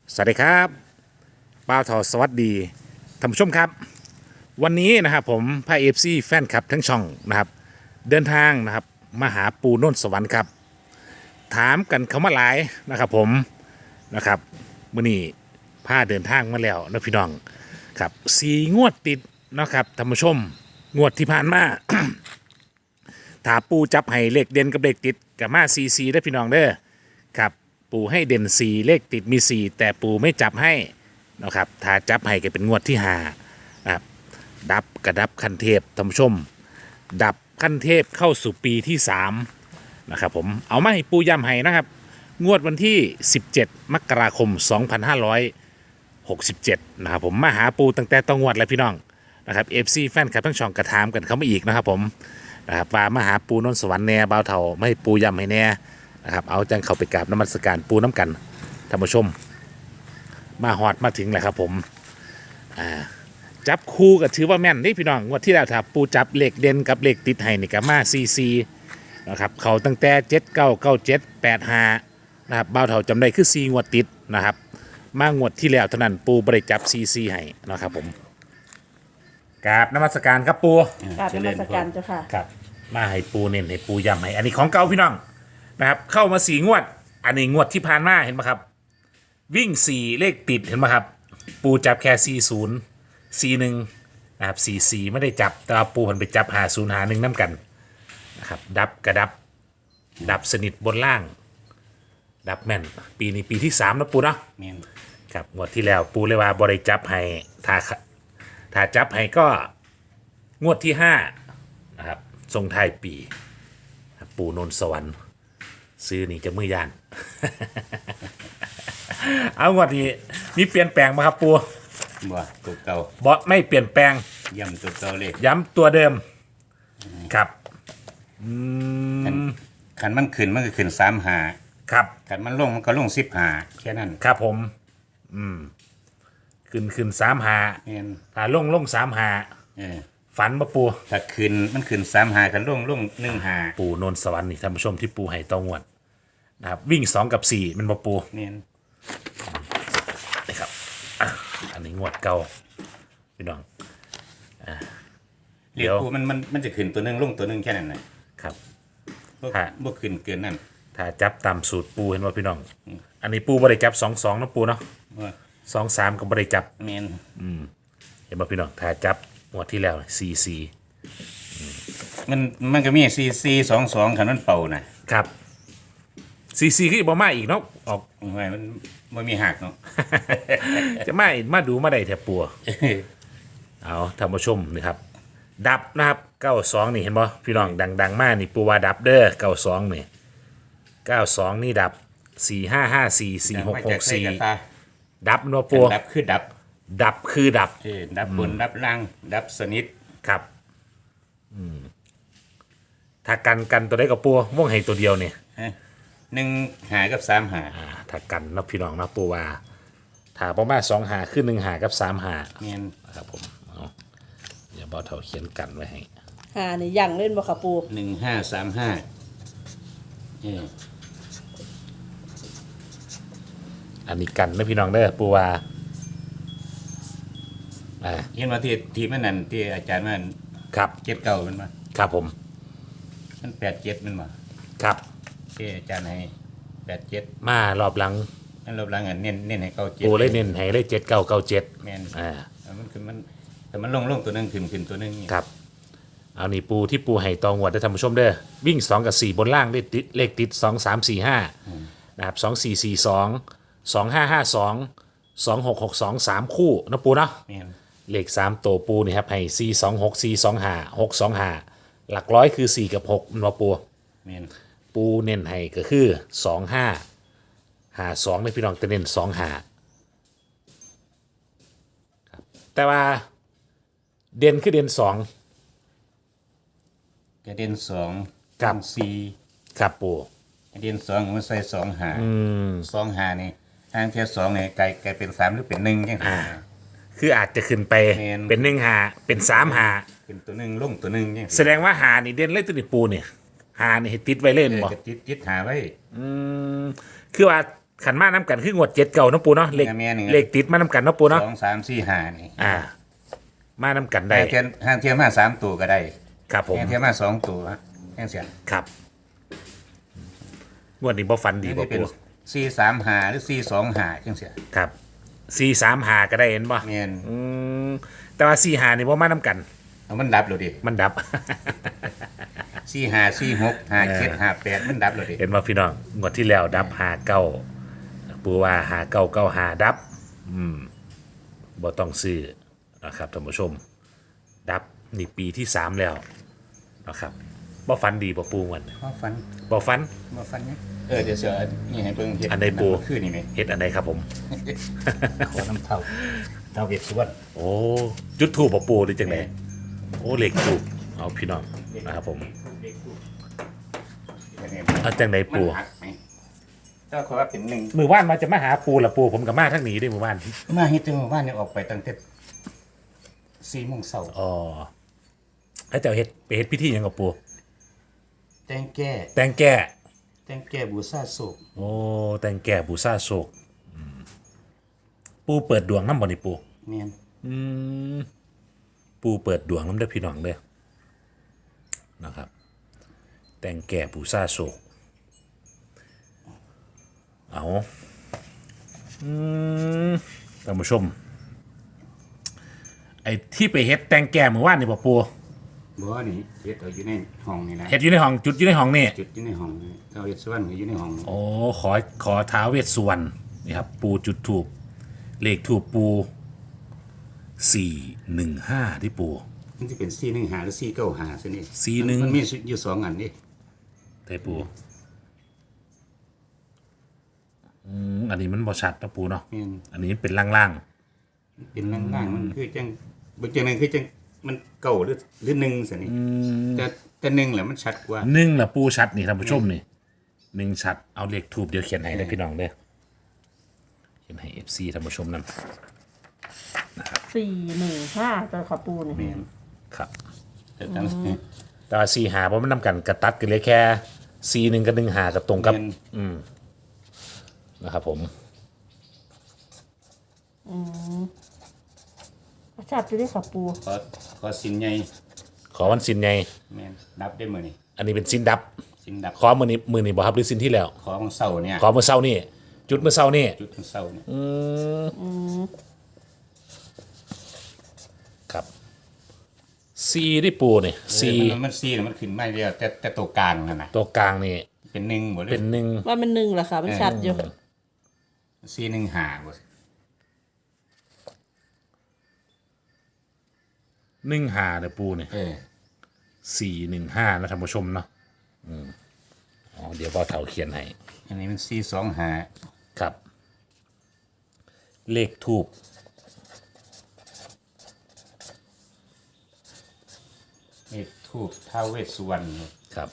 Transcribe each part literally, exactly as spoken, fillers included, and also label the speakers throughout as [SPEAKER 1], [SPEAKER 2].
[SPEAKER 1] สวัสดีครับป้าวทอสวัสดีท่านผู้ชมครับวันนี้นะครับผมพาเอฟซีแฟนคลับทั้งช่องนะครับเดินทางนะครับมาหาปูโน่นสวรรค์ครับถามกันเขามาหลายนะครับผมนะครับมื่อนี้พาเดินทางมาแล้วนะพี่น้องครับสี่งวดติดนะครับท่านผู้ชมงวดที่ผ่านมา ถ้าปูจับให้เลขเด่นกับเลขติดกับมาซีซีได้อพี่น้องเด้อครับปูให้เด่นสี่เลขติดมีสี่แต่ปูไม่จับให้นะครับถ้าจับให้ก็เป็นงวดที่ห้านะครับดับกระดับขั้นเทพท่านผู้ชมดับขั้นเทพเข้าสู่ปีที่สามนะครับผมเอามาให้ปูย้ำให้นะครับงวดวันที่สิบเจ็ดมกราคมสองพันห้าร้อยหกสิบเจ็ดนะครับผมมาหาปูตั้งแต่ต้องงวดแล้วพี่น้องนะครับเอฟซีแฟนคลับทั้งช่องกระถามกันเขามาอีกนะครับผมนะครับว่ามาหาปูนนสวรรค์แน่บ่าวเท่าไม่ให้ปูย้ำให้แน่นะครับเอาจังเข้าไปกราบน้ำมันสการปูน้ำกันท่านผู้ชมมาฮอดมาถึงแล้วครับผมอ่าจับคู่ก็ถือว่าแม่นนี่พี่น้องงวดที่แล้วถ้าปูจับเลขเด่นกับเลขติดให้นี่ก็มาซีซีนะครับเขาตั้งแต่เจ็ดเก้าเก้าเจ็ดแปดห้านะครับบ่าวเท่าจำได้คือซีงวดติดนะครับมางวดที่แล้วเท่านั้นปูบริจับซีซีให้นะครับผมกราบน้ำมันสการครับปู
[SPEAKER 2] กราบนมัสการเจ้าค่ะ
[SPEAKER 1] ครับมาให้ปูเน้นให้ปูย้ำให้อันนี้ของเก่าพี่น้องนะครับเข้ามาสี่งวดอันนี้งวดที่ผ่านมาเห็นไหมครับวิ่งสี่เลขติดเห็นไหมครับปูจับแค่สี่ศูนย์สี่หนึ่งนะครับสี่สี่ไม่ได้จับแต่ว่าปูมันไปจับหาศูนย์หาหนึ่งน้ำกันนะครับดับกระดับดับสนิทบนล่างดับแม่นปีนี้ปีที่สามนะปูเนาะ
[SPEAKER 3] แม่น
[SPEAKER 1] ครับงวดที่แล้วปูเลยว่าบริจับให้ถ้าถ้าจับให้ก็งวดที่ห้านะครับทรงไทายปีปูนนสวรรค์ซื้อนี่จะมือยาน เอางวดนี้มีเปลี่ยนแปลงไหมครับปู
[SPEAKER 3] บ่ตัวเก่า
[SPEAKER 1] บอไม่เปลี่ยนแปลง
[SPEAKER 3] ย่ำตัวเก่าเลย
[SPEAKER 1] ย้ำตัวเดิมครับอืม
[SPEAKER 3] ขันมันขึ้นมันก็ขึ้นสามหา
[SPEAKER 1] ครับ
[SPEAKER 3] ขันมันลงมันก็ลงสิบหาแค่นั้น
[SPEAKER 1] ครับผมอืมขึ้นขึ้นสามหา
[SPEAKER 3] แม่น
[SPEAKER 1] ถ้าลงลงสามหา
[SPEAKER 3] เออ
[SPEAKER 1] ฝันปะปู
[SPEAKER 3] ถ้าขึ้นมันขึ้นสามหาขันลงลงหนึ่งหา
[SPEAKER 1] ปูนนสวรรค์นี่ท่านผู้ชมที่ปูให้ตองวดนะครับวิ่งสองกับสี่มันมาปู
[SPEAKER 3] แม่น
[SPEAKER 1] นะครับอ่ะอันนี้งวดเก่าพี่น้อง
[SPEAKER 3] เรียกกูมันมันมันจะขึ้นตัวหนึงลงตัวหนึงแค่นั้นน่ะ
[SPEAKER 1] ครับ
[SPEAKER 3] บ่
[SPEAKER 1] ฮะ
[SPEAKER 3] บ่ขึ้นเกินนั่น
[SPEAKER 1] ถ้าจับตามสูตรปูเห็นว่าพี่น้อง อันนี้ปูบริจับสองสองนะปูเนาะ
[SPEAKER 3] ว่า
[SPEAKER 1] สองสามกับบริจับ
[SPEAKER 3] แม่น
[SPEAKER 1] เห็นว่าพี่น้องถ้าจับงวดที่แล้วสี่สี่
[SPEAKER 3] มันมันก็มีซีซีสองสองขันมันเป่าน่ะ
[SPEAKER 1] ครับสี่สี่คือบอมาอีกเนาะออก
[SPEAKER 3] โอ้ยมันบ่มีหักเนาะ
[SPEAKER 1] จะมาอีกมาดูมาได้แถบปัว เอาท่านผู้ชมนี่ครับ ดับนะครับเก้าสองนี่เห็นบ่พี่น้องดังๆมากนี่ปูว่าดับเด้อเก้าสองนี่เก้าสองนี่ดับสี่ห้าห้าสี่สี่หกหกสี่ดับเนาะปู
[SPEAKER 3] ดับคือดับ
[SPEAKER 1] ดับคือดับ
[SPEAKER 3] เออดับบนดับล่างดับสนิท
[SPEAKER 1] ครับอืมถ้ากันกันตัวได้กับปูม่วงให้ตัวเดียวเนี่ย
[SPEAKER 3] ฮะหนึ่งหากับสามหา
[SPEAKER 1] อ่าถ้ากันเนาะพี่น้องเนาะปูว่าถ้าประมาณสองหาขึ้นหนึ่งหากับสามหา
[SPEAKER 3] แม่น
[SPEAKER 1] นะครับผมเอาอย่าบอเท่าเขียนกันไว้ให้
[SPEAKER 2] หานี่ยังเล่นบ่ค่ะปู
[SPEAKER 3] หนึ่งห้าสามห้าเออ
[SPEAKER 1] อันนี้กันนะพี่น้องเด้อปูว่าอ่า
[SPEAKER 3] เห็นว่าที่ที่มันนั่นที่อาจารย์มัน
[SPEAKER 1] ครับ
[SPEAKER 3] เจ็ดเก้ามันมา
[SPEAKER 1] ครับผม
[SPEAKER 3] มันแปดเจ็ดมันมา
[SPEAKER 1] ครับ
[SPEAKER 3] ที่อาจารย์ให้แปดเจ็ด
[SPEAKER 1] มารอบหลัง
[SPEAKER 3] นั่นรอบหลังอ่ะเน้นเน้นให้เก้าเจ็ด
[SPEAKER 1] ปูเลยเน้นให้เลยเจ็ดเก้าเก้าเจ็ด
[SPEAKER 3] แม่น
[SPEAKER 1] อ่า
[SPEAKER 3] แล้วมันคือมันแต่มันลงลงตัวหนึงขึ้นขึ้นตัวหนึงนี่
[SPEAKER 1] ครับเอานี่ปูที่ปูให้ตองวดได้ท่านผู้ชมเด้อวิ่งสองกับสี่บนล่างเลขติดเลขติดสองสามสี่ห้านะครับสองสี่สี่สองสองห้าห้าสองสองหกหกสองสามคู่นะปูเนาะ
[SPEAKER 3] แม่น
[SPEAKER 1] เลขสามตัวปูนี่ครับให้สี่สองหกสี่สองห้าหกสองห้าหลักร้อยคือสี่กับหกมันว่าปู
[SPEAKER 3] แม่น
[SPEAKER 1] ปูเน้นให้ก็คือสองห้าหาสองในพี่น้องจะเน้นสองหาครับแต่ว่าเด่นคือเด่นสอง
[SPEAKER 3] กระเด็นสอง
[SPEAKER 1] ครับ
[SPEAKER 3] สี่
[SPEAKER 1] ครับปู
[SPEAKER 3] กระเด็นสองมันใส่สองหาสองหานี่ทางแค่สองเนี่ยกลายกลายเป็นสามหรือเป็นหนึ่งยังไง
[SPEAKER 1] คืออาจจะขึ้นไป
[SPEAKER 3] แม่น
[SPEAKER 1] เป็นหนึ่งหาเป็นสามหา
[SPEAKER 3] เป็นตัวหนึ่งลงตัวหนึ่งยัง
[SPEAKER 1] แสดงว่าหานี่เด่นเลยตัวนี้ปูเนี่ยหานี่ให้ติดไว้เล่น
[SPEAKER 3] เออ
[SPEAKER 1] บ่
[SPEAKER 3] กระติดติดหาไว้
[SPEAKER 1] อืมคือว่าขันมาน้ำกันคืองวดเจ็ดเก่าเนาะปูเนาะเลข
[SPEAKER 3] แม่นๆ
[SPEAKER 1] เลขติดมาน้ำกันเนาะปูเนาะ
[SPEAKER 3] สองสามสี่ห้านี่
[SPEAKER 1] อ่า มาน้ำกันได้
[SPEAKER 3] ห้างเทียนห้างเทียนมาสามตัวก็ได้
[SPEAKER 1] ครับผม
[SPEAKER 3] ห้างเทียนมาสองตัวฮะแห้งเสียน
[SPEAKER 1] ครับงวดนี้บ่ฟันดี
[SPEAKER 3] นี่
[SPEAKER 1] บ่
[SPEAKER 3] เป็น
[SPEAKER 1] ปู
[SPEAKER 3] สี่สามห้าหรือสี่สองห้าจังเสีย
[SPEAKER 1] ครับสี่สามหาก็ได้เห็นบ่
[SPEAKER 3] แม่น
[SPEAKER 1] อืมแต่ว่าสี่หานี่บ่มาน้ำกัน
[SPEAKER 3] เอามันดับเลยดิ
[SPEAKER 1] มันดับ
[SPEAKER 3] สี่ห้าสี่หกห้าเจ็ดห้าแปดมันดับเลยดิ
[SPEAKER 1] เห็นว่าพี่น้องงวดที่แล้วดับหาเก้าปูว่าหาเก้าเก้าหาดับ อืมบ่ต้องซื้อนะครับท่านผู้ชม ดับนี่ปีที่สามแล้วนะครับบ่ฟันดีบ่ปูมัน
[SPEAKER 3] มาฟัน
[SPEAKER 1] บ่ฟัน
[SPEAKER 3] มาฟันเนี่ยเออเดี๋ยวเสือนี่ให้เบิ่งเห็ด
[SPEAKER 1] อันใดปู
[SPEAKER 3] คือนี่ไหม
[SPEAKER 1] เฮ็ดอันใดครับผม
[SPEAKER 3] ขอน้ำเท่าเท่าเวียดสวน
[SPEAKER 1] โอ้จุดถูกบ่ปูหรือจังไดโอ้เหล็กถูกเอาพี่น้องนะครับผมเอาจังไดปู
[SPEAKER 3] มันหักไหมถ้าขอว่าเป็นหนึ่ง
[SPEAKER 1] มือว่านมาจะมาหาปูละปูผมกับมาทั้งหนีได้มือว่าน
[SPEAKER 3] มาเฮ็ดจังหมู่บ้านเนี่ยออกไปตั้งแต่สี่โมงเช้า
[SPEAKER 1] อ๋อให้เจ้าเฮ็ดไปเฮ็ดพิธีหยังกับปู
[SPEAKER 3] แตงแก้
[SPEAKER 1] แต่งแก้
[SPEAKER 3] แตงแก้บูซาโศก
[SPEAKER 1] โอ้แต่งแก่บูซาโศกอืมปูเปิดดวงน้ำบ่นี่ปู
[SPEAKER 3] เนียน
[SPEAKER 1] อืมปูเปิดดวงน้ำเด้อพี่น้องเด้อนะครับ แต่งแก่บูซาโศกเอาอืมท่านผู้ชม ไอ้ที่ไปเฮ็ดแต่งแก่เมื่อวานนี่บ่ปู
[SPEAKER 3] บ่นี่เฮ็ดเอาอยู่ในห้องนี่นะ
[SPEAKER 1] เฮ็ดอยู่ในห้องจุดอยู่ในห้องนี่
[SPEAKER 3] จุดอยู่ในห้องนี่เท่าเวียดสวนก็อยู่ในห้อง
[SPEAKER 1] โอ้ขอขอท้าวเวสสุวรรณนี่ครับ ปูจุดถูกเลขถูกปูสี่หนึ่งห้าที่ปู
[SPEAKER 3] มันจะเป็นสี่หนึ่งหาหรือสี่เก้าหาซะนี่
[SPEAKER 1] สี่หนึ่ง
[SPEAKER 3] มันมีอยู่สองอันนี่
[SPEAKER 1] ได้ปูอืมอันนี้มันบ่ชัดนะปูเนาะ
[SPEAKER 3] แม่น
[SPEAKER 1] อันนี้เป็นล่าง
[SPEAKER 3] เป็นล่างๆมันคือจังบางจังนั้นคือจังมันเก่าหรือหรือหนึ่งซะนี่แต่แต่หนึ่งแหละมันชัดกว่า
[SPEAKER 1] ๆหนึ่งละปูชัดนี่ท่านผู้ชมนี่หนึ่งชัดเอาเลขถูกเดี๋ยวเขียนให้ได้อพี่น้องเด้อเขียนให้เอฟซีท่านผู้ชมนั่น
[SPEAKER 2] สี่หนึ่งห้าตัวค่ะปูนี่
[SPEAKER 3] แม่น
[SPEAKER 1] ครับ
[SPEAKER 3] แต่ตั้ง
[SPEAKER 1] แต่ว่าสี่หาเพราะมันนำกันกระตัดกันเลยแค่สี่หนึ่งกับหนึ่งหากับตรงกับ
[SPEAKER 3] แม่น
[SPEAKER 1] นะครับผม
[SPEAKER 2] ชัดจะได้ค่ะปู
[SPEAKER 3] ขอขอสินใหญ่
[SPEAKER 1] ขอวันสินไง
[SPEAKER 3] แม่นนับได้มื้อนี้
[SPEAKER 1] อันนี้เป็นสินดับ
[SPEAKER 3] สินดับ
[SPEAKER 1] ขอมือนี้มือนี้บ่ครับหรือสินที่แล้ว
[SPEAKER 3] ขอของเสาเนี่ย
[SPEAKER 1] ขอเมื่อเช้านี่จุดเมื่อเช้านี่
[SPEAKER 3] จุดของเสาเนี่ย
[SPEAKER 1] ครับซีที่ปูนี่ซี
[SPEAKER 3] มันมันซีน่ะมันขึ้นไม่เดียวแต่แต่ตัวกลางนั่นน่ะ
[SPEAKER 1] ตัวกลางนี่
[SPEAKER 3] เป็นหนึ่งบ่เล
[SPEAKER 1] เป็
[SPEAKER 3] ย
[SPEAKER 1] นหนึ่ง
[SPEAKER 2] ว่ามันหนึ่งเหรอคะมันชัดอยู่
[SPEAKER 3] ซีหนึ่งหาบ่
[SPEAKER 1] หนึ่งหาเด้อปูนี่
[SPEAKER 3] เออ
[SPEAKER 1] สี่หนึ่งห้านะท่านผู้ชมเนาะอืมอ๋อเดี๋ยวพ่อเถาเขียนให้
[SPEAKER 3] อันนี้มันซีสองหา
[SPEAKER 1] ครับ เลขทูบ
[SPEAKER 3] นี่ทูบท้าวเวสสุวรรณ
[SPEAKER 1] ครับ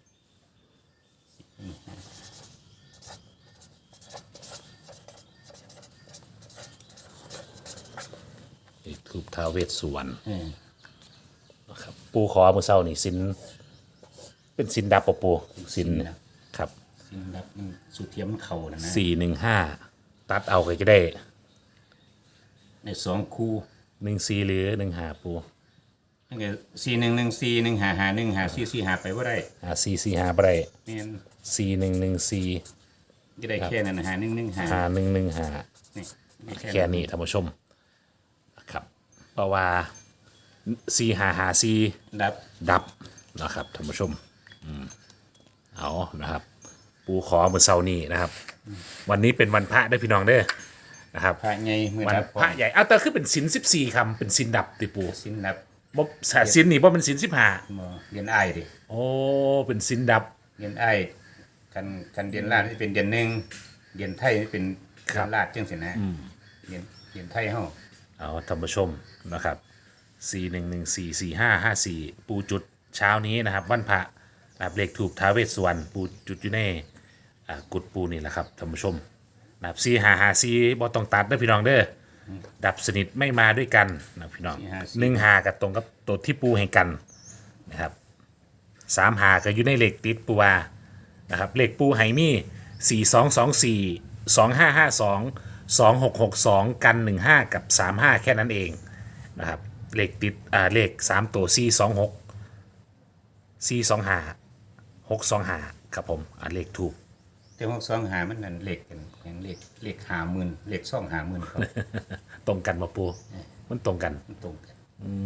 [SPEAKER 1] เลขทูบท้าวเวสสุวรรณ
[SPEAKER 3] เออ
[SPEAKER 1] นะครับปูขอเมื่อเช้านี่สินเป็นสินดับปะปูสินครับ
[SPEAKER 3] สินดับมันสุเทียมมันเข่านะนะ
[SPEAKER 1] สี่หนึ่งห้าตัดเอาก็จะได้
[SPEAKER 3] ในสองคู่
[SPEAKER 1] หนึ่งสี่หรือหนึ่งหาปู
[SPEAKER 3] นั่นก็ซีหนึ่งหนึ่งซีหนึ่งหาหาหนึ่งหาซีซีหาไปว่าได้
[SPEAKER 1] หาสี่สี่หาไปได้
[SPEAKER 3] แม่น
[SPEAKER 1] สี่หนึ่งหนึ่งสี่
[SPEAKER 3] จะได้แค่นั้นนะหาหนึ่งหนึ่งหา
[SPEAKER 1] หาหนึ่งหนึ่งหา
[SPEAKER 3] นี่ได้
[SPEAKER 1] แค่นี้ท่านผู้ชมครับเพราะว่าสี่หาหาสี่
[SPEAKER 3] ดับ
[SPEAKER 1] ดับนะครับท่านผู้ชมอืมเอานะครับ ปูขอเมื่อเช้านี้นะครับ วันนี้เป็นวันพระได้อพี่น้องเด้อนะครับ
[SPEAKER 3] พระใหญ่มือ
[SPEAKER 1] วัน
[SPEAKER 3] ดับ
[SPEAKER 1] พระใหญ่เอาแต่คือเป็นสินสิบสี่คำเป็นสินดับติปู
[SPEAKER 3] สินดับ
[SPEAKER 1] บ่สาสินนี่บ่เป็นสินสิบห้า
[SPEAKER 3] บ่เรียนไอ้ายดิ
[SPEAKER 1] โอ้เป็นสินดับ
[SPEAKER 3] เรียนไอ้ายกันกันเรียนลาดที่เป็นเรียนหนึ่งเรียนไทยนี่เป็น
[SPEAKER 1] ครั
[SPEAKER 3] เรี
[SPEAKER 1] บ
[SPEAKER 3] ยนลาดจังสินะเรียนเรียนไทยเฮา
[SPEAKER 1] เอาท่านผู้ชมนะครับสี่หนึ่งหนึ่งสี่สี่ห้าห้าสี่ปูจุดเช้านี้นะครับ วันพระนะครับเลขถูกท้าวเวสสุวรรณปูจุดอยู่ในอ่ากุดปูนี่แหละครับท่านผู้ชมนะครับสี่หาหาสี่บ่ต้องตัดเด้อพี่น้องเด้ออดับสนิทไม่มาด้วยกันนะพี่น้องหนึ่งหากับตรงกับตัวที่ปูให้กันนะครับสามหาก็อยู่ในเลขติดปูวานะครับเลขปูไฮมี่สี่สองสองสี่สองห้าห้าสองสองหกหกสองกันหนึ่งห้ากับสามห้าแค่นั้นเองนะครับเลขติดอ่าเลขสามตัวสี่สองหกสี่สองห้าหกสองห้าครับผมอ่าเลขถูก
[SPEAKER 3] แต่หกสองหามันนั่นเลขกันอย่างเลขเลขหาหมื่นเลขสองหาหมื่นเขา
[SPEAKER 1] ตรงกันมาปูมันตรงกัน
[SPEAKER 3] มันตรงกัน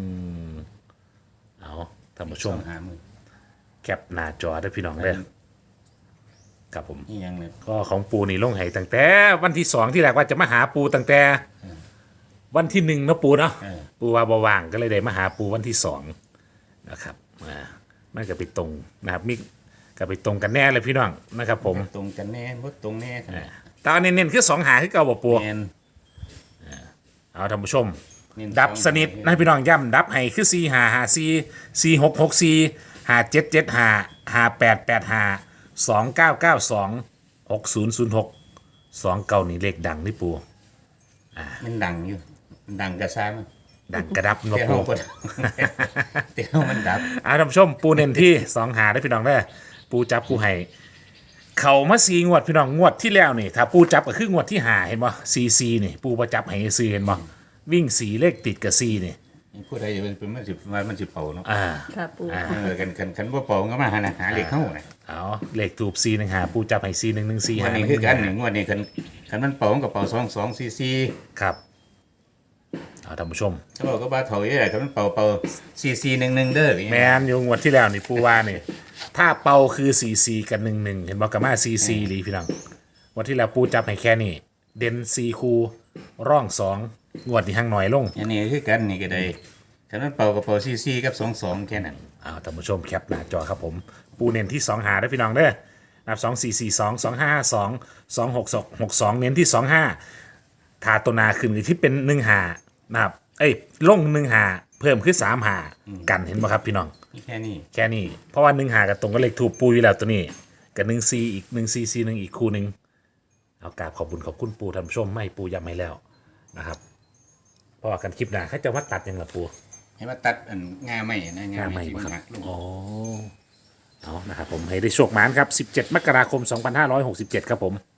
[SPEAKER 1] เอาท่านผู้ช
[SPEAKER 3] สอ
[SPEAKER 1] ม
[SPEAKER 3] งหาหมื่น
[SPEAKER 1] แคปหน้าจอได้พี่น้องเลยครับผม
[SPEAKER 3] นี่ยังเลย
[SPEAKER 1] ก็ของปูนี่ลงให้ตั้งแต่วันที่สองที่แรกว่าจะมาหาปูตั้งแต่วันที่หนึ่งเนาะปูเนาะ
[SPEAKER 3] เออ
[SPEAKER 1] ปูว่าบว่างก็เลยได้มาหาปูวันที่สองนะครับอ่ามันก็ไปตรงนะครับมิก็ไปตรงกันแน่เลยพี่น้องนะครับผม
[SPEAKER 3] ตรงกันแน่บ่ตรงแน่ขนาด
[SPEAKER 1] แตอนเน้นๆคือสองหาคือเก่าบ่ปู
[SPEAKER 3] แม่น
[SPEAKER 1] เอาท่านผู้ชม
[SPEAKER 3] เน้น
[SPEAKER 1] ดับ
[SPEAKER 3] สอง
[SPEAKER 1] สนิทนะพี่น้องย่ำดับให้คือสี่หาหาสี่สี่หกหกสี่หาเจ็ดเจ็ดหาหาแปดแปดหาสองเก้าเก้าสองหกศูนย์ศูนย์หกสองเก้านี่เลขดังนี่ปู
[SPEAKER 3] มันดังอยู่มันดังกระซ้ามัน
[SPEAKER 1] ดังกระดับเนาะ
[SPEAKER 3] แต่
[SPEAKER 1] ปู
[SPEAKER 3] เฮาบ่ดัง แต่เฮามันดับ
[SPEAKER 1] เอาท่านผู้ชมปูเน้นที่สองหาได้พี่น้องได้อปูจับปูให้เขามาสีงวดพี่น้องงวดที่แล้วนี่ถ้าปูจับก็คืองวดที่หาเห็นบ่ซีซีนี่ปูประจับให้ซื้อเห็นบ่วิ่งสีเลขติดกับซีนี่
[SPEAKER 3] ผู้ใดเป็นเป็นมันสิว่ามันสิเป่าเนาะ
[SPEAKER 1] อ่า
[SPEAKER 2] ค่ะปู
[SPEAKER 1] อ่า
[SPEAKER 3] เออกันกันกันบ่เป่าก็มาหาหาเลขเข้าน่ะ
[SPEAKER 1] เอาเลขถูกซีหนึ่งหาปูจับให้ซีหนึ่งหนึ่งซี
[SPEAKER 3] งว
[SPEAKER 1] หา
[SPEAKER 3] ด
[SPEAKER 1] ห
[SPEAKER 3] นี้
[SPEAKER 1] นึ่ง
[SPEAKER 3] คือกัน
[SPEAKER 1] ห
[SPEAKER 3] นี่
[SPEAKER 1] นึ่ง
[SPEAKER 3] งวดนี้คันคันมันเป่ามันก็เป่าสองสองสี่สี่
[SPEAKER 1] ครับเอาท่านผู้ชม
[SPEAKER 3] เขาบอกก็บ่าเฒ่าอีหล่ะคันมันเป่าเป่าสี่สี่หนึ่งหนึ่งเด้ออย่าง
[SPEAKER 1] แม
[SPEAKER 3] เงี้ย
[SPEAKER 1] นอยู่งวดที่แล้วนี่ปูว่านี่ถ้าเป่าคือซีซีกันหนึ่งหนึ่งเห็นบอกกับมาซีซีหรือพี่น้องงวันที่แล้วปูจับให้แค่นี้เด่นซีคูร่องสองงวดที่ห้างหน่อยลง
[SPEAKER 3] อันนี้คือกันนี่ก็ได้คันมันเป่าก็เป่าสี่สี่กับสองสองแค่นั้น
[SPEAKER 1] เอาท่านผู้ชมแคปหน้าจอครับผม ปูเน้นที่สองหาได้อพี่น้องเด้อนับสองสี่สี่สองสองห้าสองสองหกสองหกสองเน้นที่สองห้าทาตัวนาขึ้นที่เป็นหนึ่งหานะครับเอ้ยลงหนึ่งหาเพิ่มขึ้นสามหากันเห็นไหมครับพี่น้อง
[SPEAKER 3] นี่แค่นี้
[SPEAKER 1] แค่นี้เพราะว่าหนึ่งหากับตรงก็เลขถูกปูอยู่แล้วตัวนี้กับหนึ่งซีอีกหนึ่งซีซีหนึ่งอีกคู่หนึ่งเอากราบขอบคุณขอบคุณปูท่านผู้ชมไม่ปูย้ำให้แล้วนะครับเพราะว่ากันคลิปหน้าเขาจะว่าตัดยังละปู
[SPEAKER 3] ให้มาตัดอันงาใหม่นะงาง
[SPEAKER 1] าน
[SPEAKER 3] ให
[SPEAKER 1] ให
[SPEAKER 3] ม่
[SPEAKER 1] ม่
[SPEAKER 3] ที่
[SPEAKER 1] บ่
[SPEAKER 3] มัน
[SPEAKER 1] ค
[SPEAKER 3] หั
[SPEAKER 1] รับ
[SPEAKER 3] กลง
[SPEAKER 1] อ๋อเอานะครับผมให้ได้โชคหมานครับสิบเจ็ดมกราคมสองพันห้าร้อยหกสิบเจ็ดครับผม